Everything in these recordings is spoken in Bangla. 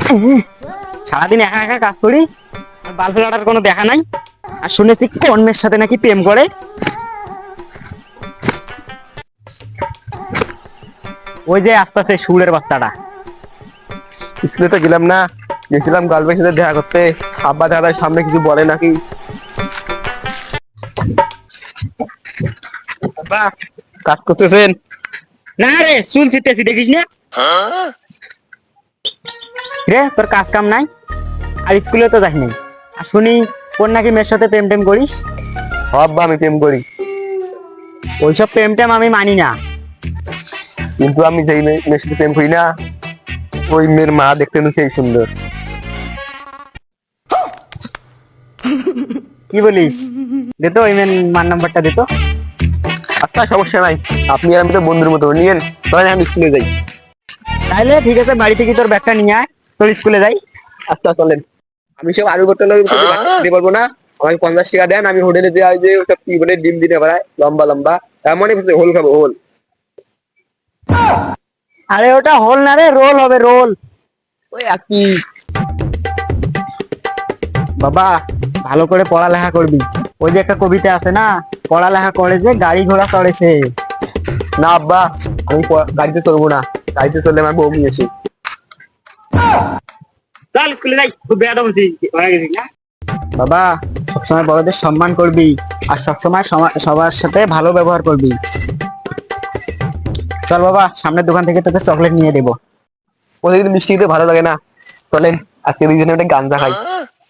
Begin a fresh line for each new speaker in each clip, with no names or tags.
সারাদিন একা একা কাজ করি, আর বাল ফেলাটার কোনো দেখা নাই। আর শুনেছি অন্যের সাথে নাকি প্রেম করে। ওই যে আস্তে সুরের বাচ্চাটা।
স্কুলে তো গেলাম না, গেছিলাম গার্লফ্রেন্ডের সাথে দেখা করতে। আব্বা দাদার সামনে কিছু বলে নাকি? আব্বা কাজ করতেছেন?
না রে, চুল ছিটতেছি দেখিস না রে? তোর কাজ কাম নাই, আর স্কুলে তো যাস নাই। আর শুনি কোন নাকি মেয়ের সাথে প্রেম টেম করিস।
আব্বা আমি প্রেম করি,
ওইসব প্রেম টেম আমি মানি না।
কিন্তু আমি যেই মেয়ের সাথে প্রেম করি না, ওই মেয়ের মা দেখতে না সেই সুন্দর।
কি বলিস? দে তো ওই মেয়ের মার নাম্বারটা দে তো।
আচ্ছা সমস্যা নাই, আপনি আর আমি তো বন্ধুর মতো নিয়েন, তাহলে আমি স্কুলে যাই।
তাহলে ঠিক আছে, বাড়ি থেকে তোর ব্যাগটা নিয়ে আয়, তোর স্কুলে যাই।
আচ্ছা চলেন। আমি সব আলু বোতল দিতে পারবো না, আমাকে 50 টাকা দেন, আমি হোটেলে দেওয়া যে ওসব কি বলে ডিম দিনে বেড়ায় লম্বা লম্বা, এমনই হোল খাবো হোল।
আরে ওটা হোল না রে, রোল হবে, রোল।
ওই একই।
বাবা ভালো করে পড়ালেখা করবি। ওই যে একটা কবিতা আছে না, পড়ালেখা করে যে গাড়ি ঘোড়া চড়ে সে।
না আব্বা, আমি গাড়িতে চলবো না, গাড়িতে চললে আমার বউ নিয়ে আসি।
চল স্কুলে যাই, খুব বেয়াদব হয়েছিস, হয়ে গেছিস না। বাবা সবসময় বড়দের সম্মান করবি, আর সবসময় সবার সাথে ভালো ব্যবহার করবি। চল বাবা, সামনের দোকান থেকে তোকে চকলেট নিয়ে দেবো।
প্রতিদিন মিষ্টি খেতে ভালো লাগে না, চলেন আজকে দুইজনে একটা গাঞ্জা খাই।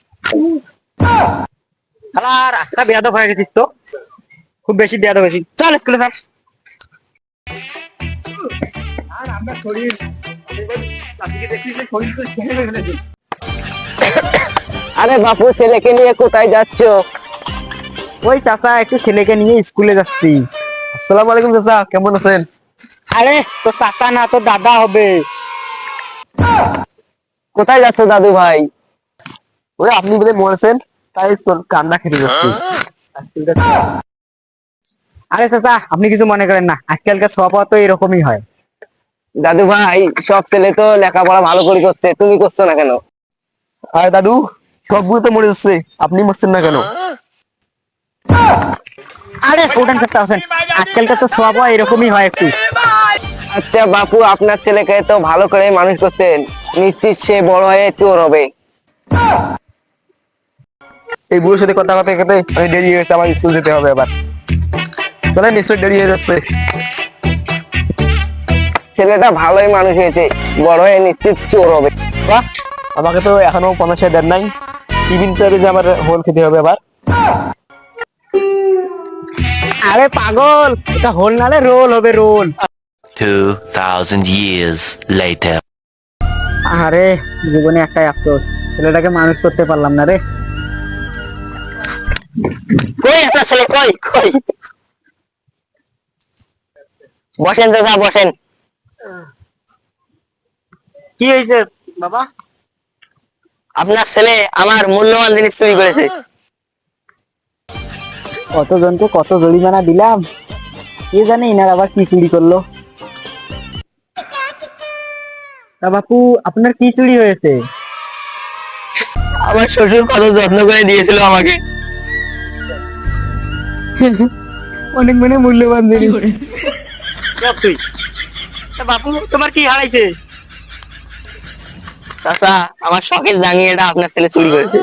আর আজকে বেয়াদব হয়ে গেছিস তো, খুব বেশি বেয়াদব হয়েছিস। চল স্কুলে যাস। আর আমরা শরীর
আরে বাপু, ছেলেকে নিয়ে কোথায় যাচ্ছ?
ওই চাচা একটু ছেলেকে নিয়ে স্কুলে যাচ্ছি।
আসসালামু আলাইকুম চাচা, কেমন আছেন?
আরে তো চাচা না, তো দাদা হবে।
কোথায় যাচ্ছ দাদু ভাই? ওই আপনি বলে মরেছেন, তাই কান্না খেতে যাচ্ছি।
আরে চাচা আপনি কিছু মনে করেন না, আজকালকার স্বভাব তো এরকমই হয়।
দাদু ভাই, সব ছেলে তো লেখাপড়া ভালো করে করছে, তুমি করছো না কেন? আরে দাদু, সবগুলো তো মরে যাচ্ছে, আপনি মরছেন না কেন?
আরে স্টুডেন্ট চাচা আছেন, আজকালকার তো স্বভাব এরকমই হয় একটু।
আচ্ছা বাপু, আপনার ছেলেকে তো ভালো করে মানুষ করতেন, নিশ্চিত সে বড় হয়ে চোর হবে। এই বুড়োর সাথে কথা কথা কেটে আমি দেরি হয়ে গেছে, আমার স্কুল যেতে হবে আবার। চলে নিশ্চয় দেরি হয়ে যাচ্ছে। ছেলেটা ভালোই মানুষ হয়েছে, বড় হয়ে নিশ্চিত চোর হবে। বাহ, আমাকে তো এখনো 50 দেন নাই, টিফিন করে যে আমার হোল খেতে হবে আবার।
আরে পাগল, এটা হোল না রে, রোল হবে, রোল।
2000 years later.
আরে জীবনে একটাই আফসোস, ছেলেটাকে মানুষ করতে পারলাম না রে। কই একটা ছেলে, কই কই? বসেন চাচা বসেন। কি হয়েছে বাবা?
আপনার ছেলে আমার মূল্যবান জিনিস চুরি করেছে।
কতজনকে কত জরিমানা দিলাম, কে জানে ইনার আবার কি চুরি করলো। তা বাপু আপনার কি চুরি হয়েছে?
আমার শ্বশুর কত যত্ন করে দিয়েছিল আমাকে,
অনেক মানে মূল্যবান জিনিস। তুই তা বাপু তোমার কি হারাইছে?
চাচা আমার শখের জাঙ্গিয়াটা আপনার ছেলে চুরি করেছে।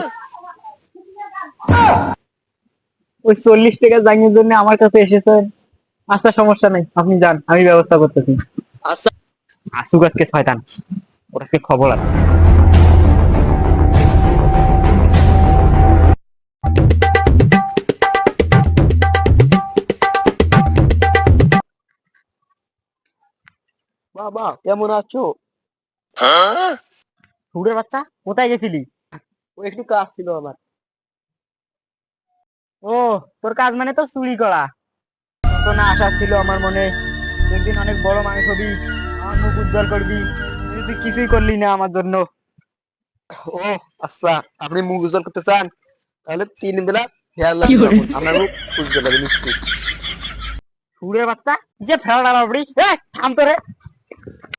ওই 40 টাকা জাঙ্গির জন্য আমার কাছে এসেছেন? আচ্ছা সমস্যা নাই, আপনি যান, আমি ব্যবস্থা করতেছি।
আচ্ছা।
আসুক আজকে শয়তান, ওর আজকে খবর আছে।
বাবা কেমন আছো?
সুরের বাচ্চা, কোথায় গেছিলি?
ও একটু কাজ ছিল আমার।
ও তোর কাজ মানে তো চুরি করা। তো না আশা ছিল আমার মনে, একদিন অনেক বড় মানুষ হবি, আমার মুখ উজ্জ্বল করবি, কিন্তু তুই কিছুই করলি না আমার জন্য।
ও আচ্ছা, আপনি মুখ উজ্জ্বল করতে চান, তাহলে 3 বেলা খেয়াল রাখুন, আপনার মুখ উজ্জ্বল হবে নিশ্চিত।
সুরের বাচ্চা, যে ফেরা বাবড়ি, থাম তো রে।